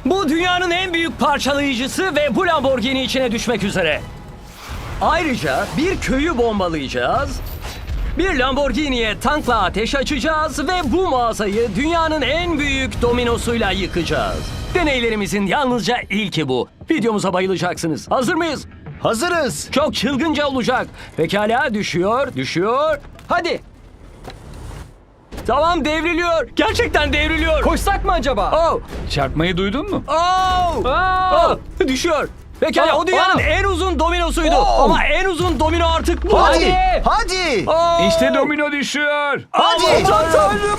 Bu dünyanın en büyük parçalayıcısı ve bu Lamborghini içine düşmek üzere. Ayrıca bir köyü bombalayacağız. Bir Lamborghini'ye tankla ateş açacağız ve bu mağazayı dünyanın en büyük dominosuyla yıkacağız. Deneylerimizin yalnızca ilki bu. Videomuza bayılacaksınız. Hazır mıyız? Hazırız. Çok çılgınca olacak. Pekala, düşüyor. Hadi. Tamam, devriliyor. Gerçekten devriliyor. Koşsak mı acaba? Oh. Çarpmayı duydun mu? Oh. Aa! Oh. Düşüyor. Pekala, o dünyanın en uzun dominosuydu. Oh. Ama en uzun domino artık bu. Hadi. Hadi. Oh. İşte domino düşüyor. Hadi. Aman Tanrım.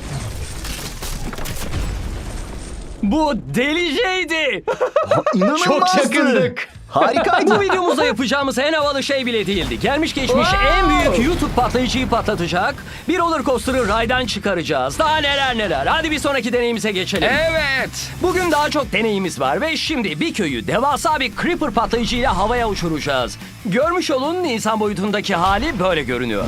Bu deliceydi. İnanılmazdı. Çok yakındık. Harikaydı. Bu videomuzda yapacağımız en havalı şey bile değildi. Gelmiş geçmiş en büyük YouTube patlayıcıyı patlatacak. Bir roller coaster'ı raydan çıkaracağız. Daha neler. Hadi bir sonraki deneyimize geçelim. Evet. Bugün daha çok deneyimiz var ve şimdi bir köyü devasa bir creeper patlayıcıyla havaya uçuracağız. Görmüş olun, insan boyutundaki hali böyle görünüyor.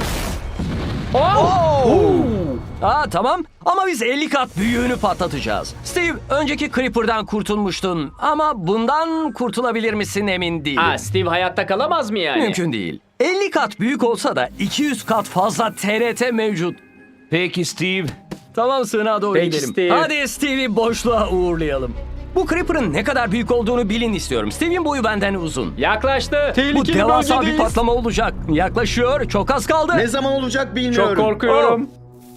Tamam ama biz 50 kat büyüğünü patlatacağız. Steve, önceki Creeper'dan kurtulmuştun ama bundan kurtulabilir misin emin değilim. Steve hayatta kalamaz mı yani? Mümkün değil. 50 kat büyük olsa da 200 kat fazla TRT mevcut. Peki Steve. Tamam, sığınağa doğru Peki gidelim. Steve. Hadi Steve'i boşluğa uğurlayalım. Bu Creeper'ın ne kadar büyük olduğunu bilin istiyorum. Steve'in boyu benden uzun. Yaklaştı. Bu devasa bir patlama olacak. Yaklaşıyor. Çok az kaldı. Ne zaman olacak bilmiyorum. Çok korkuyorum.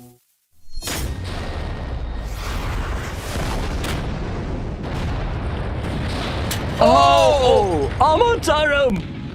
Aman tanrım.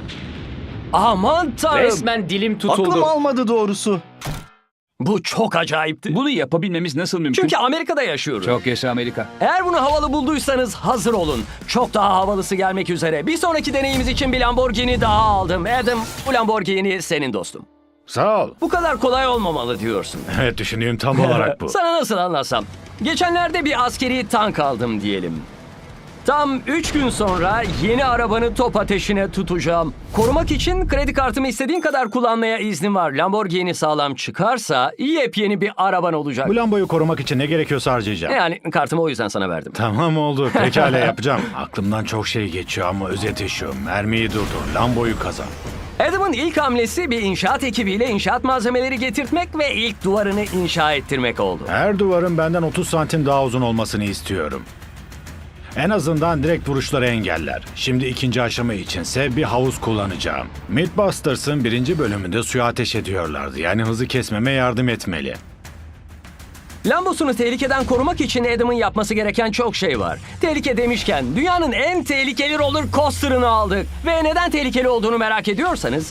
Aman tanrım. Resmen dilim tutuldu. Aklım almadı doğrusu. Bu çok acayipti. Bunu yapabilmemiz nasıl mümkün? Çünkü Amerika'da yaşıyoruz. Çok yaşa Amerika. Eğer bunu havalı bulduysanız hazır olun. Çok daha havalısı gelmek üzere. Bir sonraki deneyimiz için bir Lamborghini daha aldım. Adam, bu Lamborghini senin dostum. Sağ ol. Bu kadar kolay olmamalı diyorsun. Evet, düşündüğüm tam olarak bu. Sana nasıl anlatsam? Geçenlerde bir askeri tank aldım diyelim. Tam 3 gün sonra yeni arabanı top ateşine tutacağım. Korumak için kredi kartımı istediğin kadar kullanmaya iznim var. Lamborghini sağlam çıkarsa yepyeni bir araban olacak. Bu lambayı korumak için ne gerekiyorsa harcayacağım. Yani kartımı o yüzden sana verdim. Tamam oldu. Pekala yapacağım. Aklımdan çok şey geçiyor ama özeti şu. Mermiyi durdur. Lamboyu kazan. Adam'ın ilk hamlesi bir inşaat ekibiyle inşaat malzemeleri getirtmek ve ilk duvarını inşa ettirmek oldu. Her duvarın benden 30 santim daha uzun olmasını istiyorum. En azından direkt vuruşları engeller. Şimdi ikinci aşama içinse bir havuz kullanacağım. Mythbusters'ın 1. bölümünde suya ateş ediyorlardı. Yani hızı kesmeme yardım etmeli. Lambosunu tehlikeden korumak için Adam'ın yapması gereken çok şey var. Tehlike demişken dünyanın en tehlikeli roller coaster'ını aldık. Ve neden tehlikeli olduğunu merak ediyorsanız...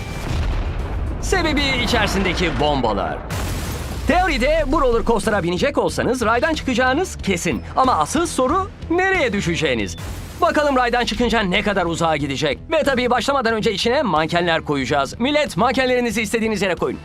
Sebebi içerisindeki bombalar. Teoride bu roller coaster'a binecek olsanız raydan çıkacağınız kesin. Ama asıl soru nereye düşeceğiniz. Bakalım raydan çıkınca ne kadar uzağa gidecek. Ve tabii başlamadan önce içine mankenler koyacağız. Millet, mankenlerinizi istediğiniz yere koyun.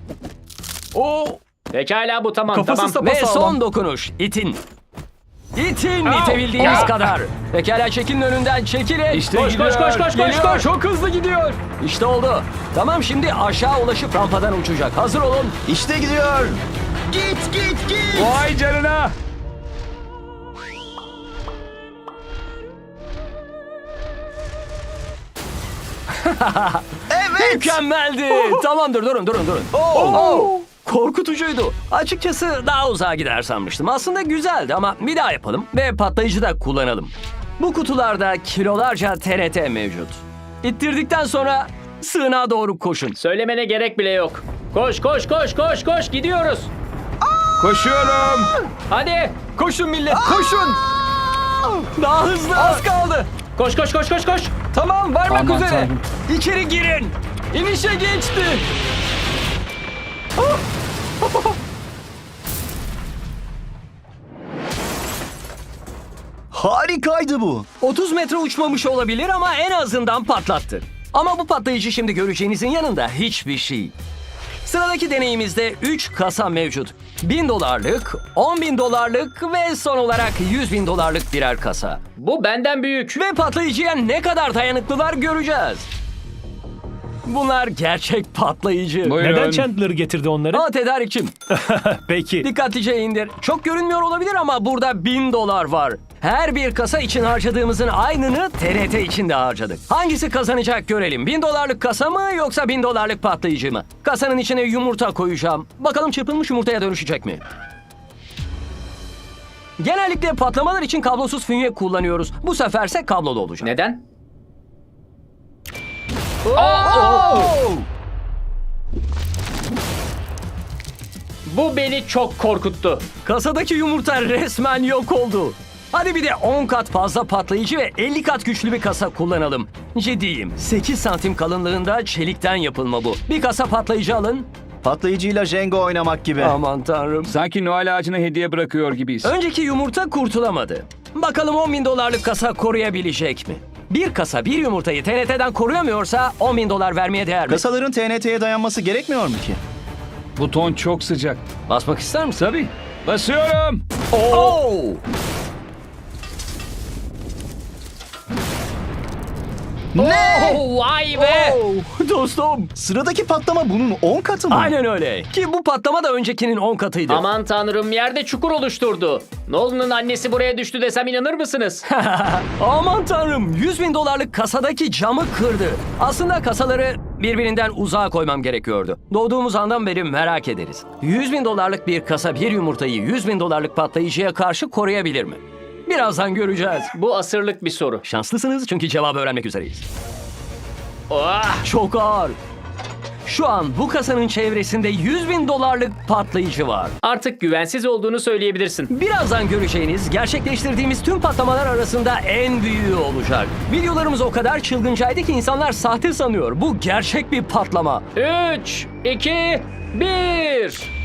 Pekala, bu tamam. Kafası tamam. Ve son dokunuş. İtin. İtin itebildiğiniz kadar. Pekala, çekilin önünden, çekilin. İşte Koş koş koş koş koş Geliyor. koş. Çok hızlı gidiyor. İşte oldu. Tamam, şimdi aşağı ulaşıp rampadan uçacak. Hazır olun. İşte gidiyor. Git. Vay canına. Evet. Mükemmeldi. Tamamdır, durun. Oh. Korkutucuydu. Açıkçası daha uzağa gider sanmıştım. Aslında güzeldi ama bir daha yapalım ve patlayıcı da kullanalım. Bu kutularda kilolarca TRT mevcut. İttirdikten sonra sığınağa doğru koşun. Söylemene gerek bile yok. Koş koş koş koş koş, gidiyoruz. Koşuyorum. Hadi. Koşun millet, koşun. Daha hızlı. Az kaldı. Koş koş koş koş koş. Tamam, varmak Aman üzere. Tanrım. İçeri girin. İnişe geçti. Harikaydı bu. 30 metre uçmamış olabilir ama en azından patlattı. Ama bu patlayıcı şimdi göreceğinizin yanında hiçbir şey. Sıradaki deneyimizde 3 kasa mevcut. $1000'lık, $10.000'lık ve son olarak $100.000'lık birer kasa. Bu benden büyük. Ve patlayıcıya ne kadar dayanıklılar göreceğiz. Bunlar gerçek patlayıcı. Buyurun. Neden Chandler getirdi onları? Aa, tedarikçim. Peki. Dikkatlice indir. Çok görünmüyor olabilir ama burada $1000 var. Her bir kasa için harcadığımızın aynını TRT için de harcadık. Hangisi kazanacak görelim. $1000'lık kasa mı yoksa $1000'lık patlayıcı mı? Kasanın içine yumurta koyacağım. Bakalım çırpılmış yumurtaya dönüşecek mi? Genellikle patlamalar için kablosuz fünye kullanıyoruz. Bu seferse kablolu olacak. Neden? Bu beni çok korkuttu. Kasadaki yumurta resmen yok oldu. Hadi bir de 10 kat fazla patlayıcı ve 50 kat güçlü bir kasa kullanalım. Ciddiyim. 8 santim kalınlığında çelikten yapılma bu. Bir kasa patlayıcı alın. Patlayıcıyla Jenga oynamak gibi. Aman tanrım. Sanki Noel ağacına hediye bırakıyor gibiyiz. Önceki yumurta kurtulamadı. Bakalım $10.000'lık kasa koruyabilecek mi? Bir kasa bir yumurtayı TNT'den koruyamıyorsa $10.000 vermeye değer mi? Kasaların TNT'ye dayanması gerekmiyor mu ki? Buton çok sıcak. Basmak ister misin? Tabii. Basıyorum. Oo! Oh, vay be! Dostum. Sıradaki patlama bunun 10 katı mı? Aynen öyle. Ki bu patlama da öncekinin 10 katıydı. Aman tanrım, yerde çukur oluşturdu. Nolan'ın annesi buraya düştü desem inanır mısınız? Aman tanrım, $100.000'lık kasadaki camı kırdı. Aslında kasaları birbirinden uzağa koymam gerekiyordu. Doğduğumuz andan beri merak ederiz. $100.000'lık bir kasa bir yumurtayı $100.000'lık patlayıcıya karşı koruyabilir mi? Birazdan göreceğiz. Bu asırlık bir soru. Şanslısınız çünkü cevabı öğrenmek üzereyiz. Ah! Çok ağır. Şu an bu kasanın çevresinde $100.000'lık patlayıcı var. Artık güvensiz olduğunu söyleyebilirsin. Birazdan göreceğiniz gerçekleştirdiğimiz tüm patlamalar arasında en büyüğü olacak. Videolarımız o kadar çılgıncaydı ki insanlar sahte sanıyor. Bu gerçek bir patlama. 3, 2, 1.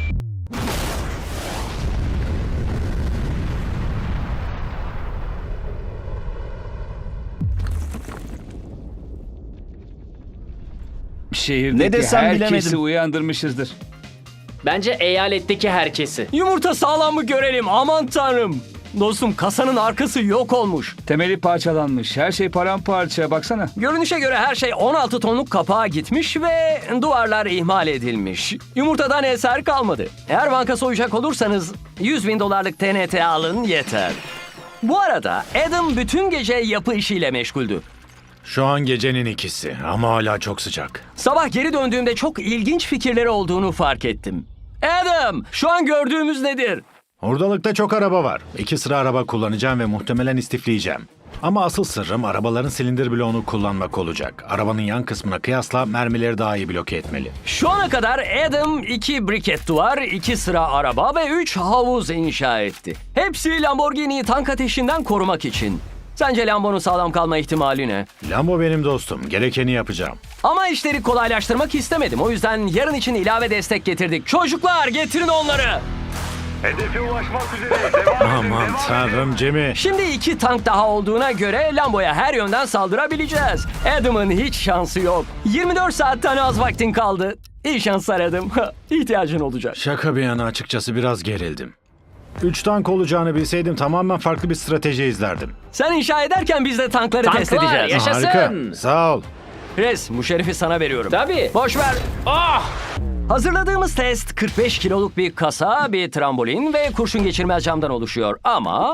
Şehirdeki Ne desem herkesi bilemedim. uyandırmışızdır. Bence eyaletteki herkesi. Yumurta sağlam mı görelim, aman tanrım. Dostum, kasanın arkası yok olmuş. Temeli parçalanmış. Her şey paramparça. Baksana. Görünüşe göre her şey 16 tonluk kapağa gitmiş ve duvarlar ihmal edilmiş. Yumurtadan eser kalmadı. Eğer banka soyacak olursanız $100.000'lık TNT alın yeter. Bu arada Adam bütün gece yapı işiyle meşguldü. Şu an gecenin 2'si ama hala çok sıcak. Sabah geri döndüğümde çok ilginç fikirleri olduğunu fark ettim. Adam, şu an gördüğümüz nedir? Hurdalıkta çok araba var. 2 sıra araba kullanacağım ve muhtemelen istifleyeceğim. Ama asıl sırrım arabaların silindir bloğunu kullanmak olacak. Arabanın yan kısmına kıyasla mermileri daha iyi bloke etmeli. Şu ana kadar Adam 2 briket duvar, 2 sıra araba ve 3 havuz inşa etti. Hepsi Lamborghini'yi tank ateşinden korumak için. Sence Lambo'nun sağlam kalma ihtimali ne? Lambo benim dostum. Gerekeni yapacağım. Ama işleri kolaylaştırmak istemedim. O yüzden yarın için ilave destek getirdik. Çocuklar, getirin onları. Hedefe ulaşmak üzere. Devam edin. Aman devam tanrım Jimmy. Şimdi 2 tank daha olduğuna göre Lambo'ya her yönden saldırabileceğiz. Adam'ın hiç şansı yok. 24 saatten az vaktin kaldı. İyi şanslar Adam. İhtiyacın olacak. Şaka bir yana açıkçası biraz gerildim. 3 tank olacağını bilseydim tamamen farklı bir strateji izlerdim. Sen inşa ederken biz de tankları test Tanklar, edeceğiz. yaşasın. Harika. Sağ ol. Chris, bu şerefi sana veriyorum. Tabii. Boş ver. Ah! Hazırladığımız test 45 kiloluk bir kasa, bir trambolin ve kurşun geçirmez camdan oluşuyor. Ama...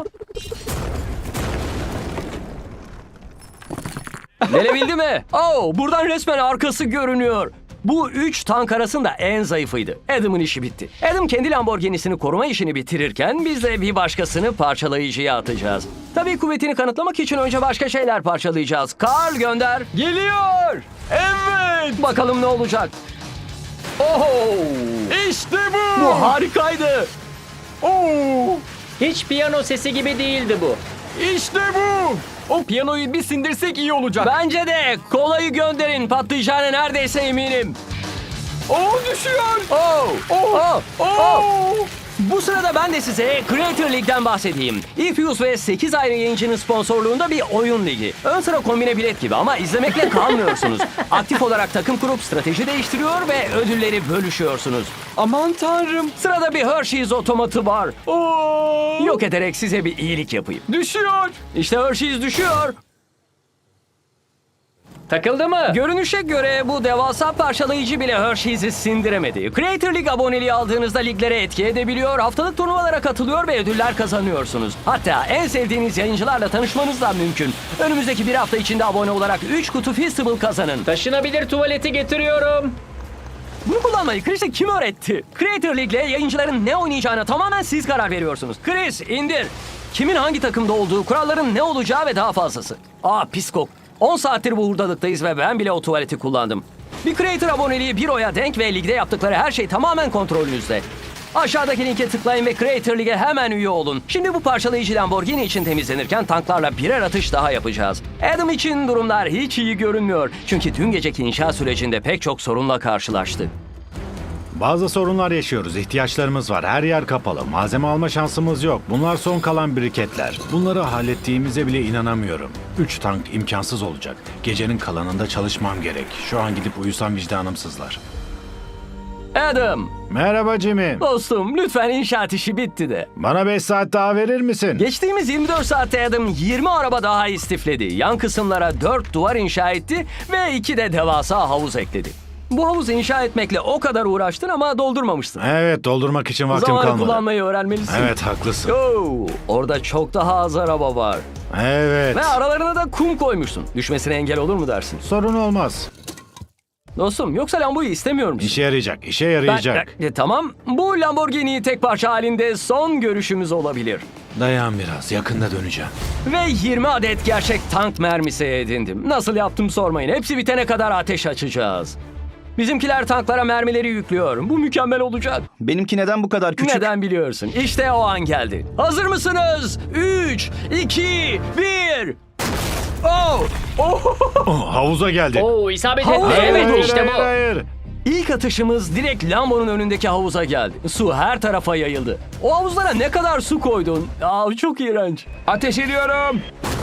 Gelebildi mi? Oh, buradan resmen arkası görünüyor. Bu 3 tank arasında en zayıfıydı. Adam'ın işi bitti. Adam kendi Lamborghini'sini koruma işini bitirirken biz de bir başkasını parçalayıcıya atacağız. Tabii kuvvetini kanıtlamak için önce başka şeyler parçalayacağız. Carl gönder. Geliyor. Evet. Bakalım ne olacak. Oh! İşte bu! Bu harikaydı. Oh! Hiç piyano sesi gibi değildi bu. İşte bu! O piyanoyu bir sindirsek iyi olacak. Bence de. Kolayı gönderin. Patlayacağına neredeyse eminim. Düşüyor. Bu sırada ben de size Creator League'den bahsedeyim. Ifuse ve 8 ayrı yayıncının sponsorluğunda bir oyun ligi. Ön sıra kombine bilet gibi ama izlemekle kalmıyorsunuz. Aktif olarak takım kurup strateji değiştiriyor ve ödülleri bölüşüyorsunuz. Aman tanrım. Sırada bir Hershey's otomatı var. Yok ederek size bir iyilik yapayım. Düşüyor. İşte Hershey's düşüyor. Takıldı mı? Görünüşe göre bu devasa parçalayıcı bile Hershey's'i sindiremedi. Creator League aboneliği aldığınızda liglere etki edebiliyor, haftalık turnuvalara katılıyor ve ödüller kazanıyorsunuz. Hatta en sevdiğiniz yayıncılarla tanışmanız da mümkün. Önümüzdeki bir hafta içinde abone olarak 3 kutu Feastable kazanın. Taşınabilir tuvaleti getiriyorum. Bunu kullanmayı Chris'e kim öğretti? Creator League'le yayıncıların ne oynayacağına tamamen siz karar veriyorsunuz. Chris indir. Kimin hangi takımda olduğu, kuralların ne olacağı ve daha fazlası. Pis kok. 10 saattir bu hurdalıktayız ve ben bile o tuvaleti kullandım. Bir Creator aboneliği bir oya denk ve ligde yaptıkları her şey tamamen kontrolünüzde. Aşağıdaki linke tıklayın ve Creator League'e hemen üye olun. Şimdi bu parçalayıcı Lamborghini için temizlenirken tanklarla birer atış daha yapacağız. Adam için durumlar hiç iyi görünmüyor. Çünkü dün geceki inşa sürecinde pek çok sorunla karşılaştı. Bazı sorunlar yaşıyoruz. İhtiyaçlarımız var. Her yer kapalı. Malzeme alma şansımız yok. Bunlar son kalan briketler. Bunları hallettiğimize bile inanamıyorum. 3 tank imkansız olacak. Gecenin kalanında çalışmam gerek. Şu an gidip uyusam vicdanım sızlar. Adam, Merhaba Jimmy. dostum lütfen inşaat işi bitti de. Bana 5 saat daha verir misin? Geçtiğimiz 24 saatte Adam 20 araba daha istifledi. Yan kısımlara 4 duvar inşa etti ve 2 de devasa havuz ekledi. Bu havuzu inşa etmekle o kadar uğraştın ama doldurmamışsın. Evet, doldurmak için vaktim Zamanı kalmadı. kullanmayı öğrenmelisin. Evet, haklısın. Oo, orada çok daha az araba var. Evet. Ve aralarına da kum koymuşsun. Düşmesine engel olur mu dersin? Sorun olmaz. Dostum yoksa Lambo'yu istemiyor musun? İşe yarayacak, işe yarayacak. Tamam. Bu Lamborghini tek parça halinde son görüşümüz olabilir. Dayan biraz, yakında döneceğim. Ve 20 adet gerçek tank mermisi edindim. Nasıl yaptım sormayın. Hepsi bitene kadar ateş açacağız. Bizimkiler tanklara mermileri yüklüyor. Bu mükemmel olacak. Benimki neden bu kadar küçük? Neden biliyorsun? İşte o an geldi. Hazır mısınız? 3, 2, 1. Oh! Oh, havuza geldi. Oo, isabet Havuz etti. oldu. Evet, işte bu. Hayır. İlk atışımız direkt Lambo'nun önündeki havuza geldi. Su her tarafa yayıldı. O havuzlara ne kadar su koydun? Çok iğrenç. Ateş ediyorum.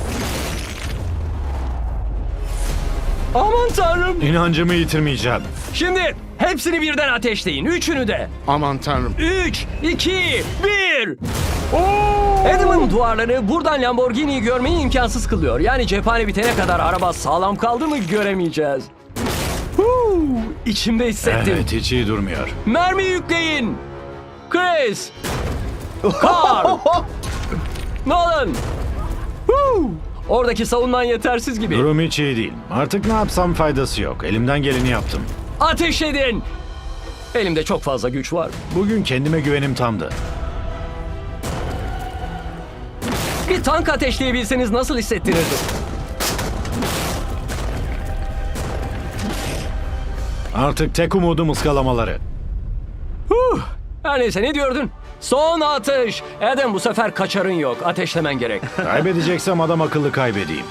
Aman tanrım. İnancımı yitirmeyeceğim. Şimdi hepsini birden ateşleyin. Üçünü de. Aman tanrım. 3, 2, 1. Adam'ın duvarları buradan Lamborghini'yi görmeyi imkansız kılıyor. Yani cephane bitene kadar araba sağlam kaldı mı göremeyeceğiz. İçimde hissettim. Evet, hiç iyi durmuyor. Mermi yükleyin. Chris. Carl. Nolan. Oradaki savunman yetersiz gibi. Durum hiç iyi değil. Artık ne yapsam faydası yok. Elimden geleni yaptım. Ateş edin. Elimde çok fazla güç var. Bugün kendime güvenim tamdı. Bir tank ateşleyebilseniz nasıl hissettirirdi? Artık tek umudum ıskalamaları. Her neyse ne diyordun? Son atış. Adam bu sefer kaçarın yok. Ateşlemen gerek. Kaybedeceksem adam akıllı kaybedeyim.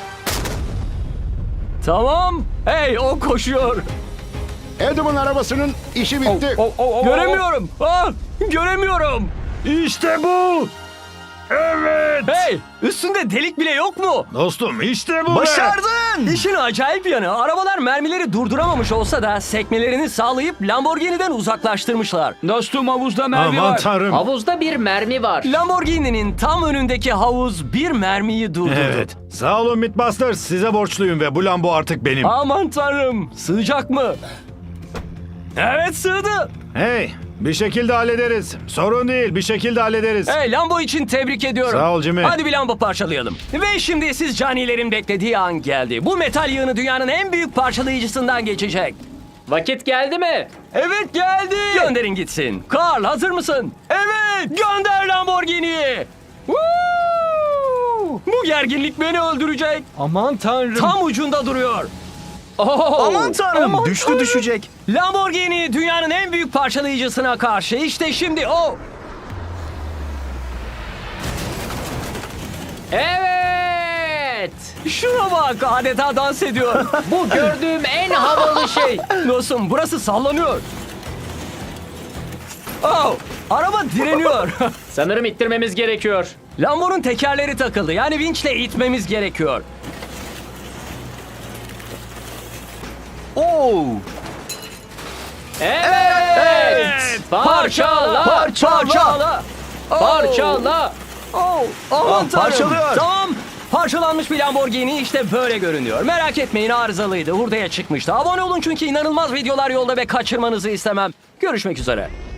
Tamam. Hey o koşuyor. Adam'ın arabasının işi bitti. Göremiyorum. Göremiyorum. İşte bu! Evet! Hey üstünde delik bile yok mu? Dostum işte bu be! Başardın! İşin acayip yanı arabalar mermileri durduramamış olsa da sekmelerini sağlayıp Lamborghini'den uzaklaştırmışlar. Dostum havuzda mermi Aman var. tanrım. Havuzda bir mermi var. Lamborghini'nin tam önündeki havuz bir mermiyi durdurdu. Evet. Sağ olun Mythbusters. Size borçluyum ve bu Lambo artık benim. Aman tanrım sığacak mı? Evet sığdı. Hey, bir şekilde hallederiz. Sorun değil, bir şekilde hallederiz. Hey Lambo için tebrik ediyorum. Sağ ol Jimmy. Hadi bir Lambo parçalayalım. Ve şimdi siz canilerin beklediği an geldi. Bu metal yığını dünyanın en büyük parçalayıcısından geçecek. Vakit geldi mi? Evet geldi. Gönderin gitsin. Carl hazır mısın? Evet. Gönder Lamborghini'yi. Woo! Bu gerginlik beni öldürecek. Aman tanrım. Tam ucunda duruyor. Aman tanrım! Aman Düştü tanrım. düşecek. Lamborghini dünyanın en büyük parçalayıcısına karşı. İşte şimdi o. Evet. Şuna bak adeta dans ediyor. Bu gördüğüm en havalı şey. Dostum burası sallanıyor. Araba direniyor. Sanırım ittirmemiz gerekiyor. Lambo'nun tekerleri takıldı. Yani vinçle itmemiz gerekiyor. Oo! Evet. Parçala. Parçala. Parçala. Aman tanrım. parçalıyor. Tamam. Parçalanmış bir Lamborghini işte böyle görünüyor. Merak etmeyin, arızalıydı. Hurdaya çıkmıştı. Abone olun çünkü inanılmaz videolar yolda ve kaçırmanızı istemem. Görüşmek üzere.